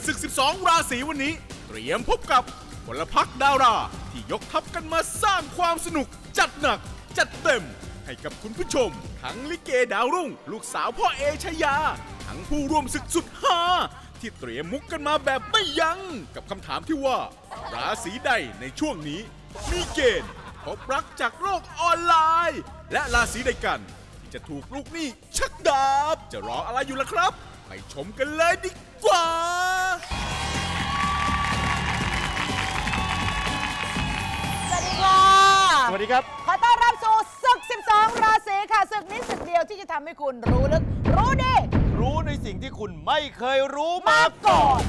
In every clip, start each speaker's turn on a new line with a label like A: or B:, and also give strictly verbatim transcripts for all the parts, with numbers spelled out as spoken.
A: ศึกสิบสองราศีวันนี้เตรียมพบกับพลพรรคดาราที่ยกทัพกันมาสร้างความสนุกจัดหนักจัดเต็มให้กับคุณผู้ชมทั้งลิเกดาวรุ่งลูกสาวพ่อเอชยาทั้งผู้ร่วมศึกสุดฮาที่เตรียมมุกกันมาแบบไม่ยั้งกับคำถามที่ว่าราศีใดในช่วงนี้มีเกณฑ์พบรักจากโลกออนไลน์และราศีใดกันที่จะถูกลูกหนี้ชักดาบจะรออะไรอยู่ล่ะครับไปชมกันเลยดีกว่า
B: สวัสดีค่ะ
C: สวัสดีครับ
B: ขอต้อนรับสู่ศึกสิบสองราศีค่ะศึกนี้ศึกเดียวที่จะทำให้คุณรู้ลึกรู้ดี
C: รู้ในสิ่งที่คุณไม่เคยรู้มาก่อน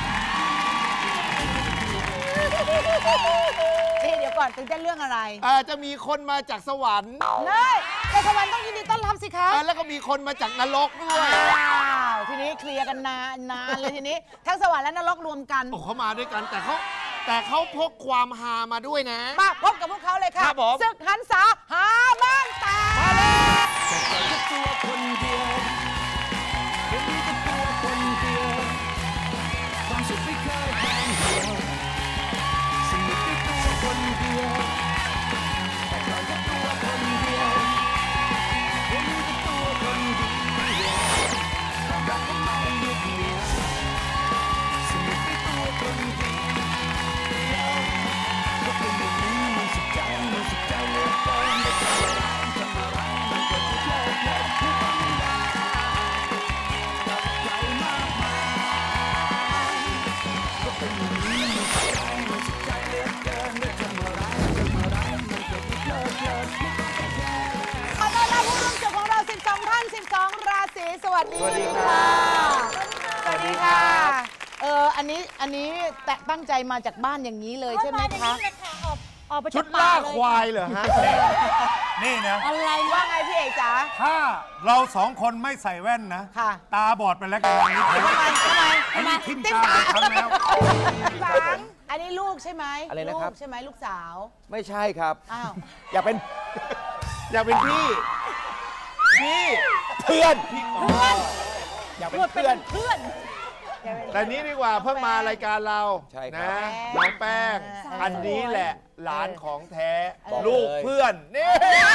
B: นี่เดี๋ยวก่อนตื่นเต้นเรื่องอะไร
C: อาจะมีคนมาจากสวรรค์
B: เนยแต่สวรรค์ต้องยินดีต้อนรับสิคะ
C: แล้วก็มีคนมาจากนรกด้วย
B: ว้าวทีนี้เคลียร์กันนานนานเลยทีนี้ทั้งสวรรค์และนรกรวมกัน
C: โอ้เขามาด้วยกันแต่เขาแต่เขาพกความฮามาด้วยนะ
B: มาพบกับพวกเขาเลยค่ะศึกหันษาหาบ้านตา
C: มาเลย
D: ตัวคนเดียวเป็นตัวคนเดียวความสุขไม่เคยห่างเหี่ยวสนุกด้วยตัวคนเดียวแต่ก่อนก็ตัวคนเดียวเป็นตัวคนเดียวความรักก็ไม่ยึดเหนี่ยวสนุกด้วยตัวคนเดียวก็เป็นอย่างนี้มันสุขใจมันสุขใจเหลือเกินแต่ทำอะไรทำอะไรมันก็ไม่เลิกเลิกผู้ฟังไม่ได้กับใครมากมายก็เป็นอย่างนี้มันสุขใจมันสุขใจเหลือเกินแต่ทำอะไรทำอะไรมันก็ไม่เลิกเลิกผู้ฟังไม่ได้
B: ขอต้อนรับผู้ร่วมศึกของเราสิบสองท่านสิบสองราศีสวัสดีค่ะสวัสดีค่ะเอออันนี้อันนี้แต่ตั้งใจมาจากบ้านอย่างนี้เลยใช่ไหมคะ
C: ชุดล่าควายเหรอฮะ
E: นี่นะ
B: อะไรว่าไงพี่เอกจ๋า
E: ถ้าเราสองคนไม่ใส่แว่นนะตาบอดไปแล้วกันวันนี้
B: ทำไมทำไม
E: ทำไมทิ่มตาทำแล้ว
B: อันนี้ลูกใช่ไหม
F: อะไรนะครับ
B: ใช่ไหมลูกสาว
F: ไม่ใช่ครับ
B: อ้าว
F: อยากเป็น
C: อยากเป็นพี่พี่
F: เพื่อน
B: เพื่อน
F: อยากเป็นเพื่อน
B: เพื่อน
C: แต่นี้ดีกว่าเพิ่งมารายการเรานะน้องแป้งอันนี้แหละหลานของแท้ลูกเพื่อนนี่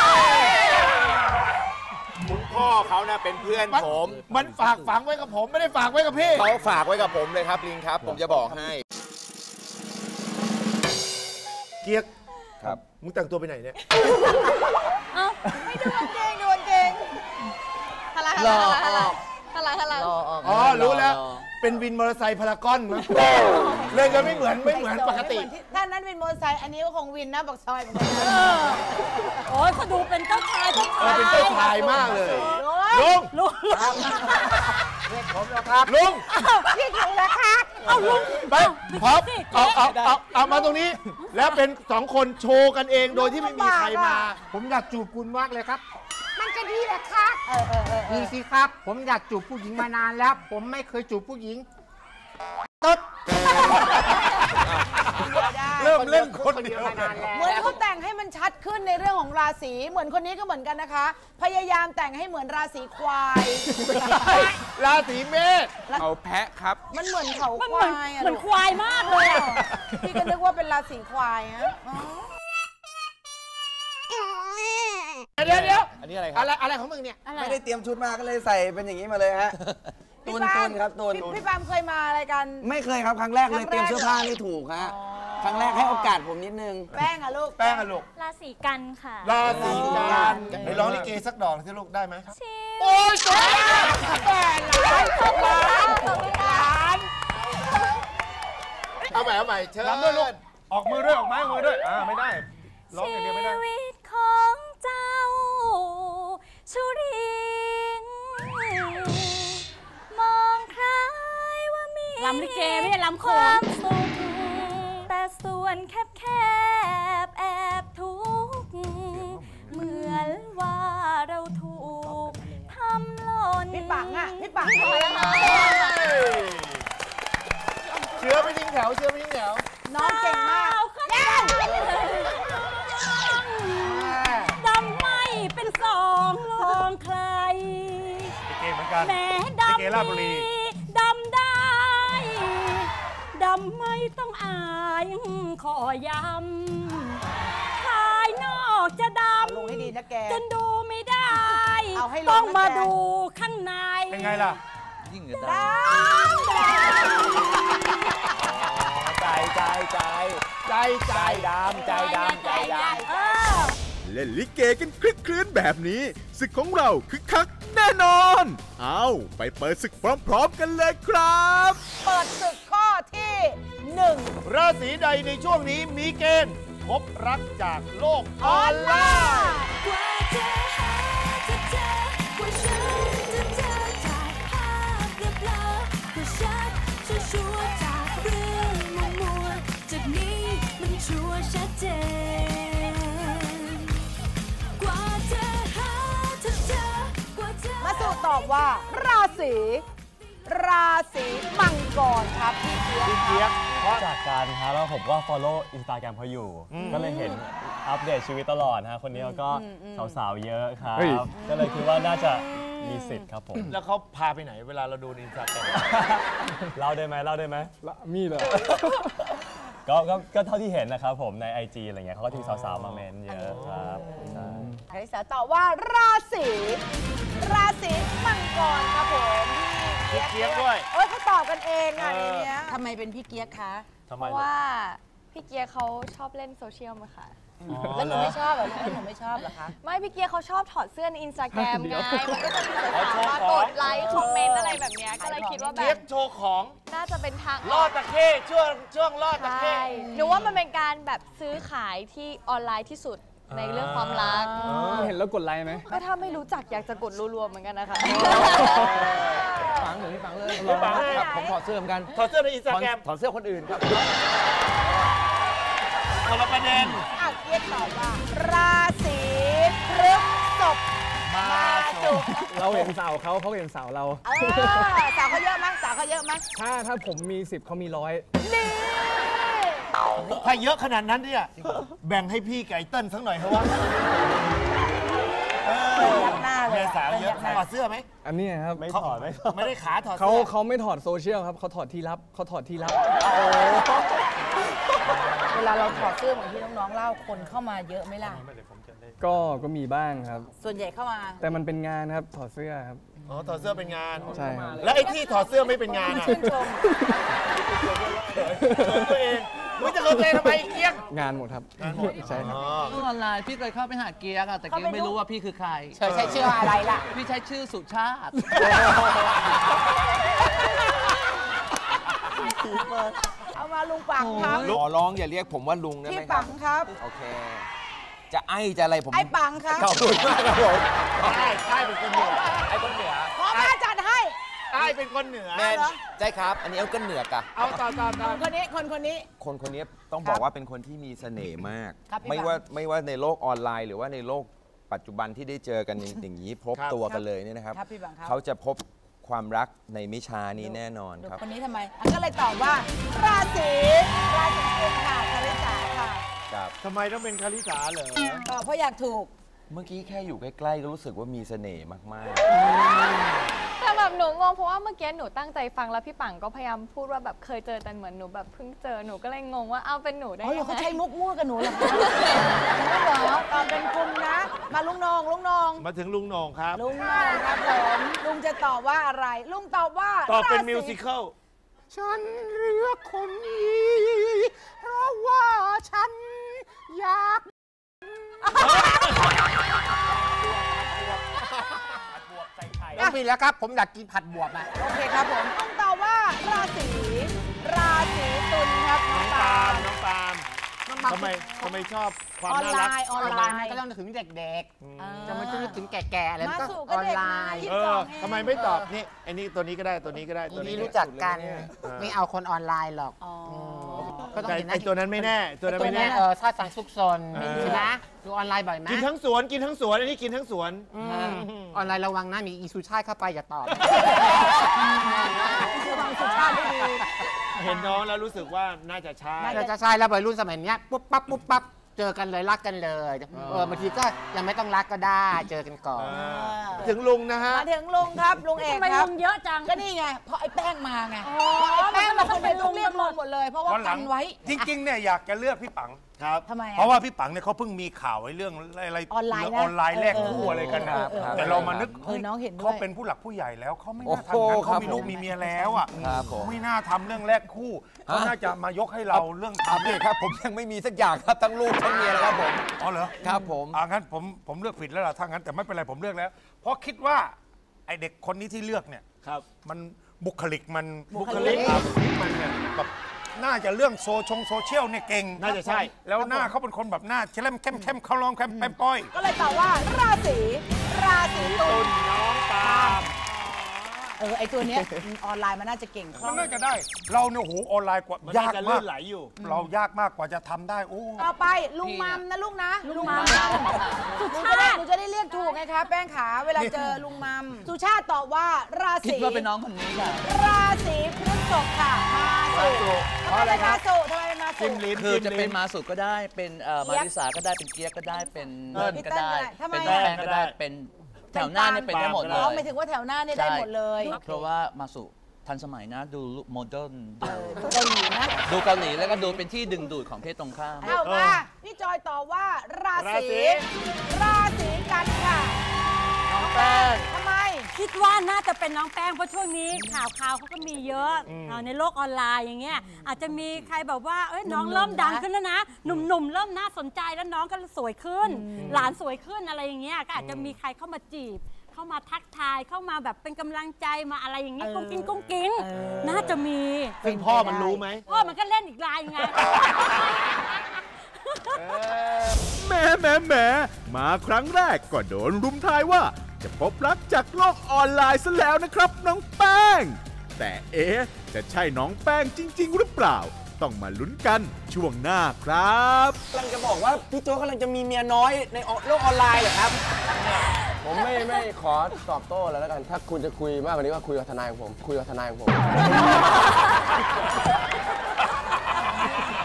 F: คุณพ่อเขานะเป็นเพื่อนผม
C: มันฝากฝังไว้กับผมไม่ได้ฝากไว้กับพี่
F: เขาฝากไว้กับผมเลยครับลิงครับผมจะบอกให้
C: เกียก
F: ครับ
C: มึงแต่งตัวไปไหนเนี่ย
B: ไม่ดูเก่งดูเก่งอะไรอะไรอะไรอะไร
C: อ๋อรู้แล้วเป็นวินมอเตอร์ไซค์พารากอนมั้งเล่นกันไม่เหมือนไม่เหมือนปกติ
B: ท่านนั้นวินมอเตอร์ไซค์อันนี้ก็คงวินนะบอกซอยเหมือนกัน
G: โอ้ยเขาดูเป็นเจ้าชายเจ้าชาย
C: เป็นเจ้าชายมากเลย
B: ลุง
G: ลุง
C: ผมนะครับลุง
B: พี่ถึงแล้วค่ะ
G: เอาลุง
C: ไปพร้อมเอาเอาเอาเอามาตรงนี้แล้วเป็นสองคนโชว์กันเองโดยที่ไม่มีใครมา
H: ผมอยากจูบคุณมากเลยครับ
B: มันจะดีเหรอคะ
H: ดีสิครับผมอยากจูบผู้หญิงมานานแล้วผมไม่เคยจูบผู้หญิงตุ๊ด
C: เริ่มเล่นคนเดียวมานาน
B: แล้วเหมือนเขาแต่งให้มันชัดขึ้นในเรื่องของราศีเหมือนคนนี้ก็เหมือนกันนะคะพยายามแต่งให้เหมือนราศีควาย
C: ราศีเมษ
F: เขาแพะครับ
B: มันเหมือนเขาควาย
G: เหมือนควายมากเลย
B: พี่ก็นึกว่าเป็นราศีควายฮะ
C: เดี๋ยวเดี๋ยว
F: อันนี้อะไรครับ
C: อะไรอะไรของมึงเนี่ย
F: ไม่ได้เตรียมชุดมาก็เลยใส่เป็นอย่างนี้มาเลยฮะตุนตุนครับตุน
B: พี่ปามเคยมาอะไรกัน
F: ไม่เคยครับครั้งแรกเลยเตรียมเสื้อผ้าไม่ถูกฮะครั้งแรกให้โอกาสผมนิดนึง
B: แป้งอะลูก
C: แป้งอะลูก
G: ราศีกันค่ะ
C: ราศีกันไปร้องลิเกสักดอกสิลูกได้ไหมโอ้ยสวยแป้งล้านล้านล้านเอาใหม่เอาใหม่เชิญ
E: ด้วยลูกออกมือด้วยออกไม้มือด้วยอ่าไม่ได้ร้องอย่างเดียวไม่ได้
G: ชีวิตของเจ้าชุริงมองใครว่ามีลำลิเกไม่ใช่ลำโขงสุขแต่ส่วนแคบแคบแอบทุกข์เหมือนว่าเราถูกทำหล่น
B: พี่ปังอ่ะพี่ปังทำไมมา
C: เชื้อไม่ทิ้งแถวเชื้อไม่ทิ้งแถว
B: น้องเก่งมาก
G: ดำไม่เป็นสองลองใคร
E: เก่งเหมือนกัน
G: แม้ดำดีดำได้ำไม่ต้องอายขอย้ำภายนอกจะดำ
B: ลงให้ดีนะแก
G: จนดูไม่ได้
B: เอาให้ลงนะ
G: ต้องมา
B: แก
G: ดูข้างใน
C: เป็นไงล่ะ
F: ยิ่งกว่า
B: ด
C: ใจใจใจใจใจดำใจดำใจดำ
G: เออ
A: เล่นลิเกกันคลึกคลื้นแบบนี้ศึกของเราคึกคักแน่นอน เอาไปเปิดศึกพร้อมๆกันเลยครับ
B: เปิดศึกข้อที่หนึ่ง
C: ราศีใดในช่วงนี้มีเกณฑ์พบรักจากโลกออนไลน์
D: กว่าจะหาจะเจอกว่าฉันจะเจอจากภาพเรียบร้อยกว่าชัดชัวร์ๆจากเรื่องมัวมัวๆจากนี้มันชัวร์ชัดเจนกว่าจะหาจะเจอกว่าจะ
B: มาสู่ตอบว่า ราศีราศีมังกรครับพี่เจี๊ยบ
C: พี่เจี๊ยบเพราะ
I: จากการฮะแล้วผมก็ follow Instagram เขาอยู่ ก็เลยเห็นอัปเดตชีวิตตลอดฮะคนนี้เขาก็สาวๆเยอะครับ ก็เลยคิดว่าน่าจะมีสิทธิ์ครับผม
C: แล้วเขาพาไปไหนเวลาเราดูในอินสตาแกรม
I: เล่าได้ไหมเล่าได้ไหมมีเลย ก็ก็ก็เท่าที่เห็นนะครับผมใน ไอ จี อะไรเงี้ยเขาก็จะมีสาวๆมาเมนเยอะครับใช่
B: คาริสาตอบว่าราศีราศีมังกรครับผม
C: พี่เจี๊ยบด้วย
B: เอ้ยเขาตอบกันเองอ่ะ
C: เอ
B: ใน
C: อ
B: เนี้ยทำไมเป็นพี่เกียกคะ
C: ทำ
G: เพ
C: ไม
G: ราะว่าพี่เกียร์เขาชอบเล่นโซเชียลมาค่ะ
B: แล้วหนูไม่ชอบเหรอแล้วหนูไม่ชอบเหรอคะ
G: ไม่พี่เกียร์เขาชอบถอดเสื้อในอินสตาแกรมไง มันก็จะมี
C: อ๋อ
G: สาวๆมา
C: โชว์ของ
G: กดไลค์คอมเมนต์อะไรแบบเนี้ยก็เลยคิดว่าแบ
C: เจี๊ย
G: บบ
C: โชว์ของ
G: น่าจะเป็นทาง
C: ลอดตะเข้ช่วงช่วงลอดตะ
G: ใช่
C: เข้
G: หนูว่ามันเป็นการแบบซื้อขายที่ออนไลน์ที่สุดในเรื่องความรัก
I: เห็นแล้วกดไลค์ไหม
G: ก็ถ้าไม่รู้จักอยากจะกดรัวๆเหมือนกันนะคะ
F: ฟังหนูไม่ฟังเลย
C: ไม่ฟัง
F: ครับผมถอดเสื้อเหมือนกัน
C: ถอดเสื้อในอินสตาแกรม
F: ถอดเสื้อคนอื่นครับ
C: คนละประเด็น
B: อ่ะเกียกตอบว่า ราศีพฤษภมาจุก
I: เราเห็นสาวเขาเขาเห็นสาวเรา
B: เออสาวเขาเยอะมั้ยสาวเขาเยอะมั้ย
I: ถ้าถ้าผมมีสิบเขามีร้อย
B: นี่
C: ถ้าเยอะขนาดนั้นเนี่ยแบ่งให้พี่ไก่เติ้ลสักหน่อยเถอะวะเออ
B: ยักหน้าเลย
C: แม่
B: อะ
C: สาวเยอะถอดเสื้อไหม
I: อันนี้ครับไม่ถอดไม่ถอด
C: ไม่ได้ขาถอด
I: เขา
C: เสื้อ
I: เขาไม่ถอดโซเชียลครับเขาถอดที่ลับเขาถอดที่ลับ
B: เวลาเราถอดเสื้อเหมือนที่น้องๆเล่าคนเข้ามาเยอะไหมล่ะ
I: ก็ก็มีบ้างครับ
B: ส่วนใหญ่เข้ามา
I: แต่มันเป็นงานครับถอดเสื้อครับ
C: อ๋อถอดเสื้อเป็นงาน
I: ใช่ครับ
C: แล้วไอ้ที่ถอดเสื้อไม่เป็นงานอ่ะ
B: ชื่นชม
C: เขินตัวเองมึงจะเขินตัวเองทำไมไอ้เกียก
I: งานหมดครับใช่ครับ
F: ออนไลน์พี่เคยเข้าไปหาเกียร์อะแต่เกียร์ไม่รู้ว่าพี่คือใคร
B: เธอใช้ชื่ออะไรล่ะ
F: พี่ใช้ชื่อสุชาติ
B: เอามาลุงปังครับ
J: ขอร้องอย่าเรียกผมว่าลุงได้ไหม
B: พี่
J: ครั
B: ปั
J: บ
B: งครับ
J: โอเค จะไอ้จะอะไรผม
B: ไอ้ปังครับ
J: ขอบคุณมากครับผม
C: ใช่ใช่เป็นคนเหนือ
J: ไอ้คนเหนือ
B: ขอมาจัดให้
C: ใช่เป็นคนเหนือ
J: แมนใช่ครับ อันนี้เอาก็เหนือกะ
C: เอาต่อต่อต่อ
B: คนนี้คนคนนี้
J: คนคนนี้ต้องบอกว่าเป็นคนที่มีเสน่ห์มาก
B: ครับพี่
J: ไม่
B: ปัง
J: ว่าไม่ว่าในโลกออนไลน์ หรือว่าในโลกปัจจุบันที่ได้เจอกันอย่างอย่างนี้พบตัวกันเลยเนี่ยนะครับ
B: ครับพี่ปังครับ
J: เขาจะพบความรักในไม่ช้านี้แน่นอนครับ
B: คนนี้ทำไมอันก็เลยตอบว่า ราศีราศีกุมค่ะคาริสาค่ะ
J: ครับ
C: ทำไมต้องเป็นคาริสาเหรอ
B: ตอบเพราะอยากถูก
J: เมื่อกี้แค่อยู่ใกล้ๆก็รู้สึกว่ามีเสน่ห์มาก
G: แต่แบบหนูงงเพราะว่าเมื่อกี้หนูตั้งใจฟังแล้วพี่ปังก็พยายามพูดว่าแบบเคยเจอแต่เหมือนหนูแบบเพิ่งเจอหนูก็เลยงงว่าเอาเป็นหนูได้
B: อ๋อ
G: ยัง
B: เขา
G: ไง
B: ใช้มุกมั่วกับหนูเหรอคะเหรอตอบเป็นกุมนะ มาลุงนองลุงนอง
C: มาถึงลุงโหน่งครับ
B: ลุงนองครับผมลุงจะตอบว่าอะไร ลุงตอบว่า
C: ตอบเป็น
B: ราศี
C: มิวสิควล
H: ฉันเลือกคนนี้ เพราะว่าฉันอยาก ต้องมีแล้วครับ ผมอยากกินผัดบวบอ่ะ
B: โอเคครับผมลุงตอบว่าราศีราศีตุลครับน้
C: น้
B: อ
C: อง ง
B: ปา
C: ปาล์
B: ล์
C: ม
B: ม
C: น้องปาล์มทำไมทำไมชอบความ
B: ออน
C: น่า
B: ไล
C: รัก
B: น์ออนไลน์
H: ก็ต้องนึกถึงเด็ก
B: อ่า
H: ๆ จะมาจะนึกถึงแก่ๆอะไร
B: มา
H: มันก็
B: สู่
H: อ
B: ก็
H: อน
B: เด็ก
H: ไล
B: นะ
H: น์
B: ยี่
C: เอ
B: สิบส
C: อ
B: องเอง
C: ทำไมไม่ตอบนี่ไอ้นี่ตัวนี้ก็ได้ตัวนี้ก็ได้
H: ที
C: ตัว
H: นี้
C: นี้
H: รู้จักกัน
C: เออ
H: ไม่เอาคนออนไลน์หรอก
B: อ๋อ
H: ก็ต้อง
C: แต่
H: เห็นห
C: ไอ้
H: น้า
C: ตัวนั้นไม่แน่ ตัวนั้น
H: ตัว
C: ไม่
H: นี้
C: แน่
H: เออชาติสังสุกซน
C: เออ
H: ใช่ไหมดูออนไลน์บ่อยไหม
C: กินทั้งสวนกินทั้งสวนอันนี้กินทั้งสวน
H: อืมออนไลน์ระวังนะมีอีซูชาติเข้าไปอย่าตอบ
B: ระวังสุขภาพไม่ดี
C: เห็นน้องแล้วรู้สึกว่าน่าจะใช่
H: เราจะใช่แล้ววัยรุ่นสมัยเนี้ยปุ๊บปั๊บปุ๊บปั๊บเจอกันเลยรักกันเลยเออบางทีก็ยังไม่ต้องรักก็ได้เจอกันก่อน
C: ถึงลุงนะฮะ
B: มาถึงลุงครับลุงเอก
G: ทำไม
B: ครั
G: ลุ
B: บ
G: งเยอะจัง
B: ก็นี่ไงเพราะไอ้แป้งมาไง
G: อ๋อ
B: เพราะไอ้แป้งมาคนเดียว
G: มันต้
B: ต้
G: อ
B: อง ง
G: เรี
B: เรี
G: ย
B: ย
G: ก
B: ก
G: ลุ
B: ลุ
G: ง
B: งหมดเลยเพราะว่า
E: วันหลั
B: กั
E: ง
B: นไว้
E: จริงๆเนี่ยอยากจะเลือกพี่ปัง
C: ครับ
B: ทำไมอะ
E: เพราะว่าพี่ปังเนี่ยเขาเพิ่งมีข่าวไอ้เรื่องอะไร
B: ออนไลน์นะ
E: ออนไลน์แลกคู่อะไรกันนะ
B: เออเออเออ
E: แต่เรามานึก
B: เออน้องเห็นด้วย
E: เขาเป็นผู้หลักผู้ใหญ่แล้วเขาไม่
J: โอ้
E: น่า
J: โห
E: ทำอย่างนั้น
J: ครั
E: เขา
J: บ
E: มีลูกมีเมียแล้วอ่ะ
J: ครับผม
E: ไม่น่าทำเรื่องแลกคู่เขาน่าจะมายกให้เราเรื่อง
J: ครับ
E: ทำ
J: พี่ครับผมยังไม่มีสักอย่างครับทั้งลูกทั้งเมียนะครับผม
E: อ๋อเหรอ
J: ครับผม
E: อ่างั้นผมผมเลือกผิดแล้วล่ะถ้างั้นแต่ไม่เป็นไรผมเลือกแล้ว เพราะคิดว่าไอเด็กคนนี้ที่เลือกเนี่ย
C: ครับ
E: มันบุคลิกมัน
B: บุคลิก
E: ครับมันเนี่ยแบบน่าจะเรื่องโซชงโซเชียลเนี่ยเก่ง
C: น่าจะใช่
E: แล้วหน้าเขาเป็นคนแบบหน้าเข้มเข้มเข้มเขาลองเข้มแปมป้อย
B: ก็เลยตอบว่าราศีราศีตุล
C: น้องปาล์ม
B: เออไอตัวเนี้ยออนไลน์มันน่าจะเก่งคล่
E: มั
B: อน ง
E: น่าจะได้ เราเนี่ยโหออนไลน์กว่า
C: มัน
E: ยา
C: น่าก จะ
E: มา
C: ลื่
E: ก
C: นไหลอยู่
E: เรายากมากกว่าจะทำได้โอ้
B: ต่อไปลุงมัมนะลูกนะ
G: ลุงมัม
B: หนูจะได้หนูจะได้เรียกถูกไงคะแป้งขาเวลาเจอลุงมัมสุชาติตอบว่าราศี
F: คิดว่าเป็นน้องคนนี้ค่ะ
B: ราศีพฤษภค่ะมาสุทำไมเป็นมาสุทำไมเป็นมาสุ
C: จิ้มลิ้ม
F: คือจะ
C: จิ้ม
F: เป็น
C: ลิ้ม
F: มาสุก็ได้ เป็นเอ่อ
B: เจี๊
F: มาย
B: บ
F: ริสาก็ได้ เป็นเกียร์ก็ได้ เป็น
C: เออ
F: เติ้ลก็ได้
B: ทำไม
F: เป็น
B: อะ
F: แป้งก็ได้ เป็นแถวหน้าเนี่ยเป็นได้หมดเล
B: อ๋อย หมายถึงว่าแถวหน้าเนี่ยได้หมดเลย
F: ใช่เพราะว่ามาสุทันสมัยนะ ดูโมเดิร์น
B: เออดูเกาหลีนะ
F: ดูเกาหลีแล้วก็ดูเป็นที่ดึงดูดของเพศตรงข้าม
B: เอามาพี่จอยตอบว่ารา
C: รา
B: ศี
C: ศี
B: ราศีกันค่ะ
C: น้องแป้ง
B: ทำไม
G: คิดว่าน่าจะเป็นน้องแป้งเพราะช่วงนี้ข่าวข่าวเขาก็มีเยอะเอ่อในโลกออนไลน์อย่างเงี้ยอาจจะมีใครแบบว่าเอ้ยน้อง
B: หนุ่มๆ
G: เริ่มดัง
B: นะ
G: ขึ้นแล้วนะ หนุ่มๆเริ่มน่าสนใจแล้วน้องก็สวยขึ้น หลานสวยขึ้นอะไรอย่างเงี้ยก็อาจจะมีใครเข้ามาจีบ เข้ามาทักทายเข้ามาแบบเป็นกำลังใจมาอะไรอย่างเงี้ยกุ้งกิ้งกุ้งกิ้งน่าจะมี
C: ซึ่งพ่อมันรู้ไหม
G: พ่อมันก็เล่นอีกลายไง
A: แหม่แหม่แหม่มาครั้งแรกก็โดนรุมทายว่า จะพบรักจากโลกออนไลน์ซะแล้วนะครับน้องแป้ง แต่เอ๊ะจะใช่น้องแป้งจริง ๆ หรือเปล่า ต้องมาลุ้นกันช่วงหน้าครับ
F: กำลังจะบอกว่าพี่โจ้กำลังจะมีเมียน้อยในโลกออนไลน์เหรอครับ
J: ผมไม่ไม่ขอตอบโต้แล้วแล้วกัน ถ้าคุณจะคุยมากกว่านี้ก็คุยกับทนายของผม คุยกับทนายของผม